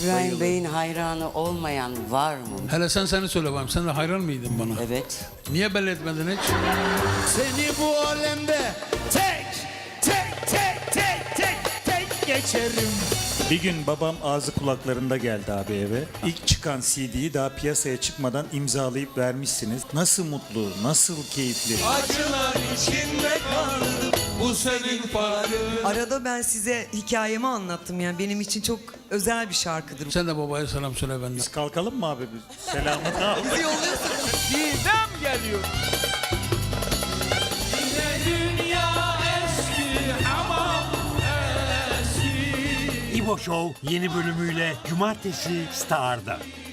İbrahim Bey'in hayranı olmayan var mı? Hele seni söyle bakayım. Sen de hayran mıydın bana? Evet. Niye belli etmedin hiç? Seni bu alemde tek geçerim. Bir gün babam ağzı kulaklarında geldi abi eve. İlk çıkan CD'yi daha piyasaya çıkmadan imzalayıp vermişsiniz. Nasıl mutlu, nasıl keyifli. Acılar içinde kaldım. Bu senin farkın. Arada ben size hikayemi anlattım, yani benim için çok özel bir şarkıdır. Sen de babaya selam söyle benden. Biz kalkalım mı abi? Selamını al. Bizi yolluyorsunuz. Didem geliyor. Yine dünya eski hamam eski. İbo Show yeni bölümüyle Cumartesi Star'da.